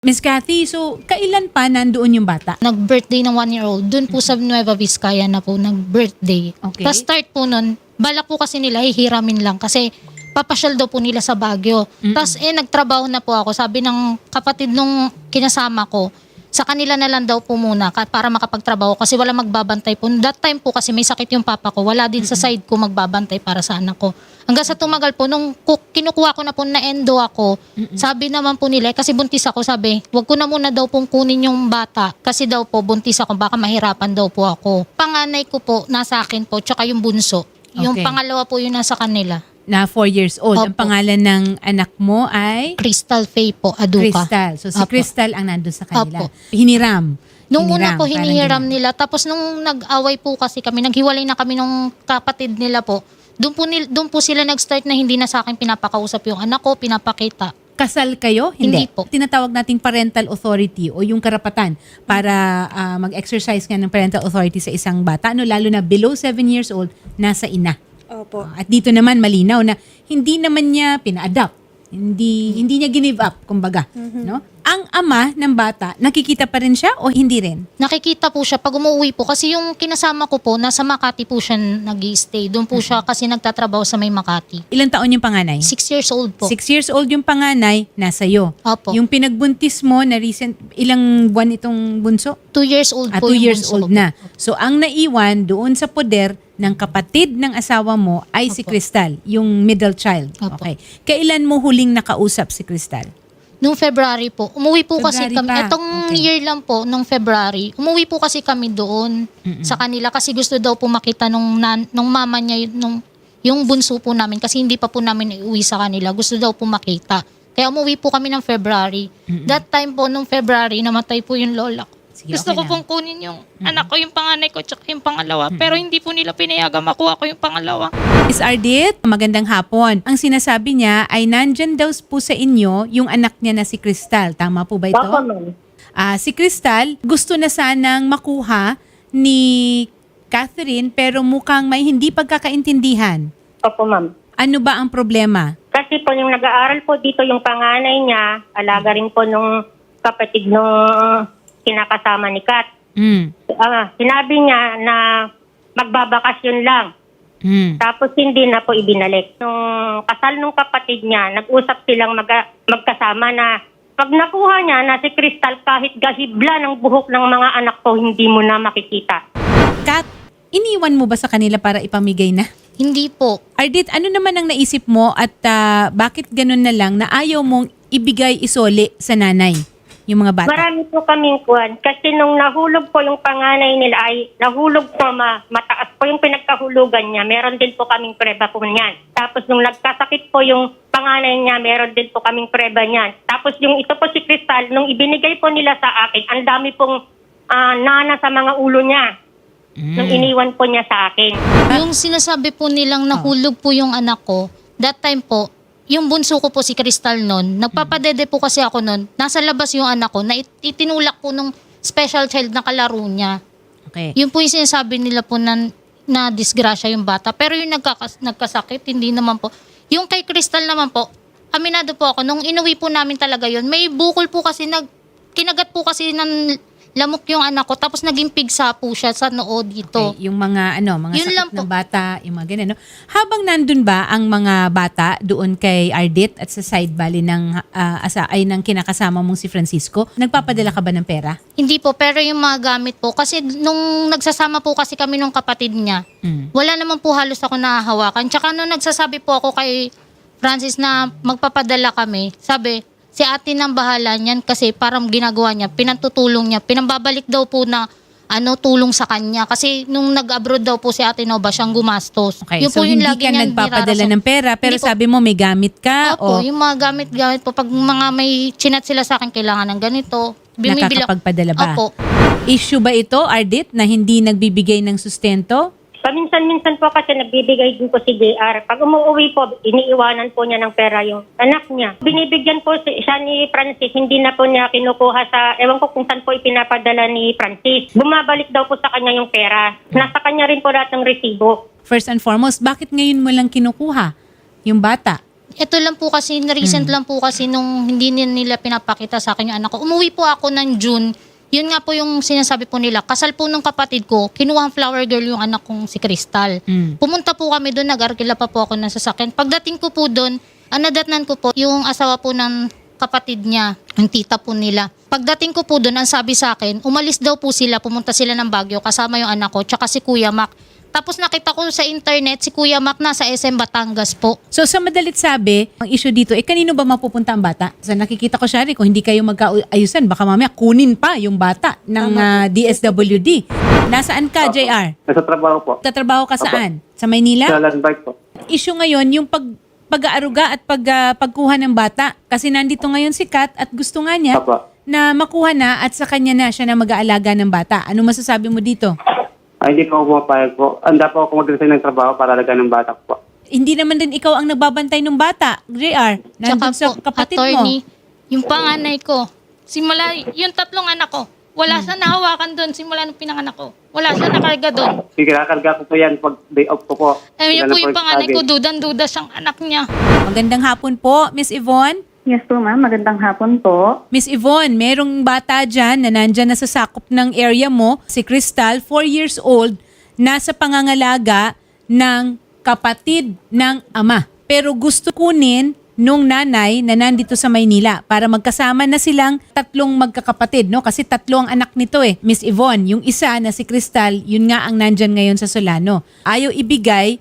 Miss Cathy, so kailan pa nandoon yung bata? Nag-birthday ng 1-year-old. Doon po sa Nueva Vizcaya na po nag-birthday. Okay. Tapos start po nun, balak po kasi nila hihiramin lang kasi papasyal daw po nila sa Baguio. Tapos nagtrabaho na po ako. Sabi ng kapatid nung kinasama ko, sa kanila na lang daw po muna para makapagtrabaho kasi wala magbabantay po. That time po kasi may sakit yung papa ko. Wala din sa side ko magbabantay para sa anak ko. Hanggang sa tumagal po, nung kinukuha ko na po na endo ako, sabi naman po nila, kasi buntis ako, sabi, wag ko na muna daw pong kunin yung bata kasi daw po buntis ako, baka mahirapan daw po ako. Panganay ko po, nasa akin po, tsaka yung bunso. Yung Okay. pangalawa po yun nasa kanila. Na 4 years old. Ang Opo. pangalan ng anak mo ay Crystal Faye po, Aduka. Crystal. So si Opo. Crystal ang nandun sa kanila. Opo. Hiniram. Nung una po, parang hinihiram ganun. nila. Tapos nung nag-away po kasi kami, naghiwalay na kami nung kapatid nila po. Doon po sila nag-start na hindi na sa akin pinapakausap yung anak ko, pinapakita. Kasal kayo? Hindi po. Tinatawag nating parental authority o yung karapatan para mag-exercise nga ng parental authority sa isang bata. Ano, lalo na below 7 years old, nasa ina. Opo. At dito naman malinaw na hindi naman niya pina-adopt. Hindi niya give up, kumbaga, no? Ang ama ng bata, nakikita pa rin siya o hindi rin? Nakikita po siya pag umuwi po. Kasi yung kinasama ko po, nasa Makati po siya nag-i-stay. Doon po siya kasi nagtatrabaho sa may Makati. Ilang taon yung panganay? 6 years old po. 6 years old yung panganay, nasa iyo. Opo. Yung pinagbuntis mo na recent, ilang buwan itong bunso? 2 years old po 2 yung years bunso old ko. na. So ang naiwan doon sa poder ng kapatid ng asawa mo ay si Opo. Crystal, yung middle child. Opo. Okay. Kailan mo huling nakausap si Crystal? Nung February po. Umuwi po kasi February kami. pa. Etong Okay. year lang po, nung February. Umuwi po kasi kami doon sa kanila kasi gusto daw po makita nung mama niya, yung bunso po namin kasi hindi pa po namin iuwi sa kanila. Gusto daw po makita. Kaya umuwi po kami ng February. That time po, nung February, namatay po yung lola ko. Sige, Gusto okay ko lang. pong kunin yung anak ko, yung panganay ko, tsaka yung pangalawa. Pero hindi po nila pinayagan makuha ko yung pangalawa. Miss Ardit, magandang hapon. Ang sinasabi niya ay nandyan daw po sa inyo yung anak niya na si Crystal. Tama po ba ito? Opo, ma'am. Si Crystal gusto na sanang makuha ni Catherine pero mukhang may hindi pagkakaintindihan. Opo, ma'am. Ano ba ang problema? Kasi po yung nag-aaral po dito yung panganay niya, alaga rin po nung kapatid nung kinakasama ni Kat. Sinabi niya na magbabakasyon lang. Tapos hindi na po ibinalik. Nung kasal nung kapatid niya, nag-usap silang magkasama na pag nakuha niya na si Crystal kahit gahibla ng buhok ng mga anak ko, hindi mo na makikita. Kat, iniwan mo ba sa kanila para ipamigay na? Hindi po. Ardit, ano naman ang naisip mo at bakit ganun na lang na ayaw mong ibigay isoli sa nanay yung mga bata? Marami po kaming kuwan. Kasi nung nahulog po yung panganay nila ay nahulog po mataas po yung pinagkahulugan niya. Meron din po kaming preba po niyan. Tapos nung nagkasakit po yung panganay niya, meron din po kaming preba niyan. Tapos yung ito po si Crystal, nung ibinigay po nila sa akin, ang dami pong nana sa mga ulo niya. Nung iniwan po niya sa akin. Yung sinasabi po nilang nahulog po yung anak ko, that time po, yung bunso ko po si Crystal noon, nagpapadede po kasi ako noon, nasa labas yung anak ko, na itinulak po nung special child na kalaro niya. Okay. Yun po yung sinasabi nila po na disgrasya yung bata. Pero yung nagkasakit, hindi naman po. Yung kay Crystal naman po, aminado po ako, nung inuwi po namin talaga yun, may bukol po kasi, kinagat po kasi ng lamok yung anak ko, tapos naging pigsa po siya sa noo dito. Okay, yung mga mga Yun lang sakit po. ng bata, yung mga ganun, no? Habang nandun ba ang mga bata doon kay Ardit at sa side bali ng ng kinakasama mong si Francisco, nagpapadala ka ba ng pera? Hindi po, pero yung mga gamit po, kasi nung nagsasama po kasi kami nung kapatid niya, wala naman po halos ako nahahawakan. Tsaka nung nagsasabi po ako kay Francis na magpapadala kami, sabi, si ate nang bahala niyan kasi parang ginagawa niya, pinantutulong niya, pinambabalik daw po na tulong sa kanya. Kasi nung nag-abroad daw po si Ate Nova, siyang gumastos. Okay, Yun so po yung hindi lagi ka niyang nagpapadala nirarason. ng pera pero Hindi po. sabi mo may gamit ka o Opo, yung mga gamit-gamit po. Pag mga may chinat sila sa akin, kailangan ng ganito. Bumibili- nakakapagpadala ba? Opo. Issue ba ito, Ardit, na hindi nagbibigay ng sustento? Paminsan-minsan po kasi nagbibigay din po si JR. Pag umuwi po, iniiwanan po niya ng pera yung anak niya. Binibigyan po siya ni Francis, hindi na po niya kinukuha sa, ewan ko kung saan po ipinapadala ni Francis. Bumabalik daw po sa kanya yung pera. Nasa kanya rin po lahat ng resibo. First and foremost, bakit ngayon mo lang kinukuha yung bata? Ito lang po kasi, recent lang po kasi nung hindi nila pinapakita sa akin yung anak ko. Umuwi po ako ng June. Yun nga po yung sinasabi po nila. Kasal po nung kapatid ko, kinuha ang flower girl yung anak kong si Crystal. Pumunta po kami doon, nag-arkila pa po ako ng sasakyan. Pagdating ko po doon, nadatnan ko po yung asawa po ng kapatid niya, ang tita po nila. Pagdating ko po doon, ang sabi sa akin, umalis daw po sila, pumunta sila ng Baguio, kasama yung anak ko, tsaka si Kuya Mac. Tapos nakita ko sa internet, si Kuya Mac nasa SM Batangas po. So sa madalit sabi, ang issue dito, kanino ba mapupunta ang bata? Sa nakikita ko, Shari, kung hindi kayo magkaayusan, baka mamaya kunin pa yung bata ng DSWD. Nasaan ka, JR? Nasa trabaho po. Tatrabaho ka saan? Sa Maynila? Sa land bike po. Issue ngayon, yung pag-aaruga at pagkuha ng bata. Kasi nandito ngayon si Kat at gusto nga niya Apo. na makuha na at sa kanya na siya na mag-aalaga ng bata. Ano masasabi mo dito? Ay, hindi po ako pumapayag po. Handa po ako mag-resign ng trabaho para alagaan ng bata ko po. Hindi naman din ikaw ang nagbabantay ng bata, JR. Nandun sa kapatid attorney, mo. yung panganay ko, simula, yung tatlong anak ko, wala siya nahawakan doon simula nung pinanganak ko. Wala siya nakarga doon. Kinakarga ko po yan pag day off ko po. Yun Lalo po yung panganay lagi. ko, dudan-duda siyang anak niya. Magandang hapon po, Miss Yvonne. Yes po ma'am, magandang hapon po. Miss Yvonne, merong bata dyan na nandyan na sa sakop ng area mo, si Crystal, 4 years old, nasa pangangalaga ng kapatid ng ama. Pero gusto kunin nung nanay na nandito sa Maynila para magkasama na silang tatlong magkakapatid, no? Kasi tatlo ang anak nito Miss Yvonne. Yung isa na si Crystal, yun nga ang nandyan ngayon sa Solano. Ayaw ibigay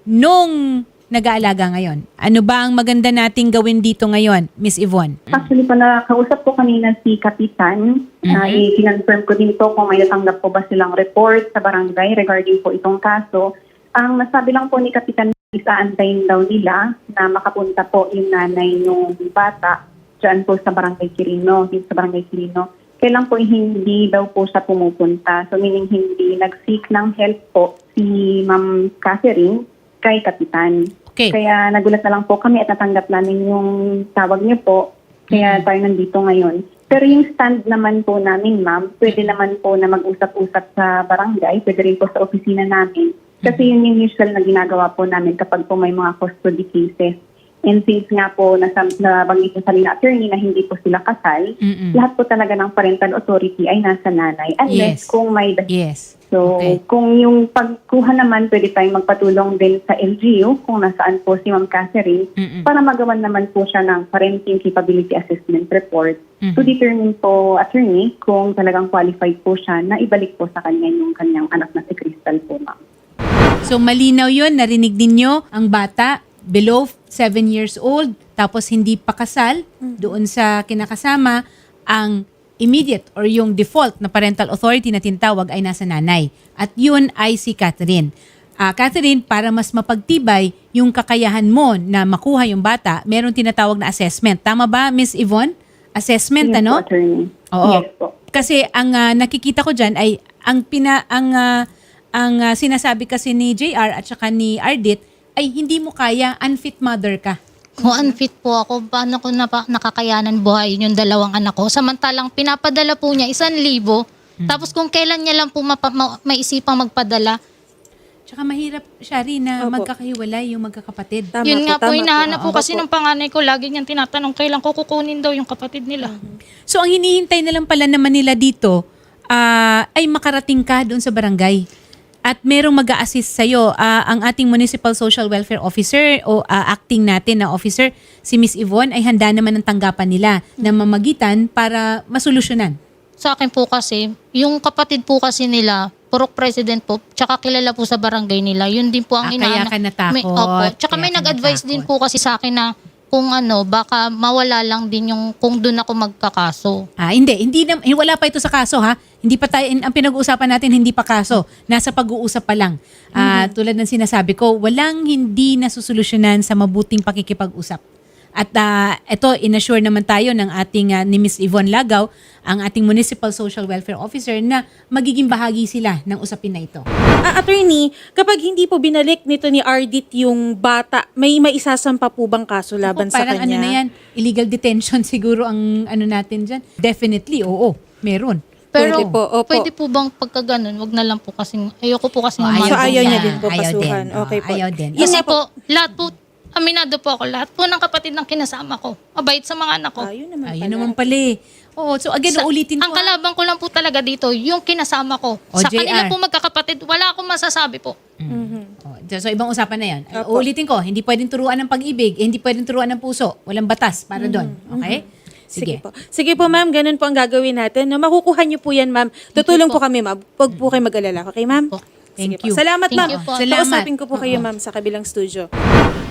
nung nag-aalaga ngayon. Ano ba ang maganda nating gawin dito ngayon, Miss Yvonne? Actually po, nakausap ko kanina si Kapitan. I-confirm ko din po kung may natanggap po ba silang report sa barangay regarding po itong kaso. Ang nasabi lang po ni Kapitan, isaantayin daw nila na makapunta po yung nanay ng bata dyan po sa barangay Quirino, dito sa barangay Quirino. Kailan po hindi daw po siya pumupunta. So meaning hindi nag-seek ng help po si Ma'am Catherine kay Kapitan. Okay. Kaya nagulat na lang po kami at natanggap namin yung tawag niyo po. Kaya tayo nandito ngayon. Pero yung stand naman po namin, ma'am, pwede naman po na mag-usap-usap sa barangay, pwede rin po sa opisina namin. Kasi yun yung usual na ginagawa po namin kapag po may mga custody cases. And since nga po nabanggit yung salina attorney na hindi po sila kasal, lahat po talaga ng parental authority ay nasa nanay. Unless Yes. kung may Yes. So, Okay. kung yung pagkuha naman, pwede tayong magpatulong din sa LGU kung nasaan po si Ma'am Catherine para magawan naman po siya ng parenting capability assessment report to determine po, attorney, kung talagang qualified po siya na ibalik po sa kanya yung kanyang anak na si Crystal po, ma'am. So malinaw yun, narinig ninyo ang bata below 7 years old, tapos hindi pa kasal doon sa kinakasama, ang immediate or yung default na parental authority na tinatawag ay nasa nanay. At yun ay si Catherine. Catherine, para mas mapagtibay yung kakayahan mo na makuha yung bata, meron tinatawag na assessment. Tama ba, Miss Yvonne? Assessment, Yes ano? po, attorney. Oo. Yes po. Kasi ang nakikita ko diyan ay ang sinasabi kasi ni JR at saka ni Ardit ay hindi mo kaya, unfit mother ka. Kung unfit po ako, paano ko nakakayanan buhayin yung dalawang anak ko? Samantalang pinapadala po niya 1,000. Tapos kung kailan niya lang po maisipang magpadala, Tsaka mahirap, Shari, na magkakahiwalay yung magkakapatid. Tama yun nga po, tama hinahanap po Opo. kasi ng panganay ko, lagi niyang tinatanong kailan ko kukunin daw yung kapatid nila. So ang hinihintay na lang pala naman nila dito ay makarating ka doon sa barangay. At merong mag-a-assist sa'yo. Ang ating Municipal Social Welfare Officer o acting natin na officer, si Miss Yvonne, ay handa naman ang tanggapan nila na mamagitan para masolusyonan. Sa akin po kasi, yung kapatid po kasi nila, purok president po, tsaka kilala po sa barangay nila, yun din po ang Kaya ka natakot. Opo. Tsaka may Kaya ka nag-advise din natakot. po kasi sa akin na kung baka mawala lang din yung kung doon ako magkakaso. Hindi wala pa ito sa kaso ha. Hindi pa tayo, ang pinag-uusapan natin hindi pa kaso. Nasa pag-uusap pa lang. Tulad ng sinasabi ko, walang hindi nasusolusyonan sa mabuting pakikipag-usap. At ito, inassure naman tayo ng ating ni Ms. Yvonne Lagaw, ang ating Municipal Social Welfare Officer, na magiging bahagi sila ng usapin na ito. Attorney, kapag hindi po binalik nito ni Ardit yung bata, may maisasampa po bang kaso laban sa Parang kanya? ano na yan, illegal detention siguro ang ano natin dyan. Definitely, oo, meron. Pero Pwede po, opo. pwede po bang pagka ganun, wag na lang po kasi ayoko po kasi So, ayaw niya din po Ayaw pasuhan. din. Okay po. Ayaw din. Kasi po, lahat po, Aminado po ako. Lahat po ng kapatid ng kinasama ko. Mabait sa mga anak ko. Ayun naman Ayun pala. naman pala eh. Oo, so again, ulitin ko. Ang kalabang ko lang po talaga dito, yung kinasama ko. Sa JR. kanila po magkakapatid, wala akong masasabi po. Oh, so ibang usapan na yan. Ulitin ko, hindi pwedeng turuan ng pag-ibig, hindi pwedeng turuan ng puso. Walang batas para doon. Okay? Sige po. Sige po, ma'am. Ganun po ang gagawin natin. No, makukuha niyo po yan, ma'am. Tutulong po kami, ma'am. Huwag po kayo mag-alala. Okay, ma'am? Po. Sige Thank you. po. Salamat, Thank ma'am. you po. Salamat. Kausapin ko po kayo, ma'am, sa kabilang studio.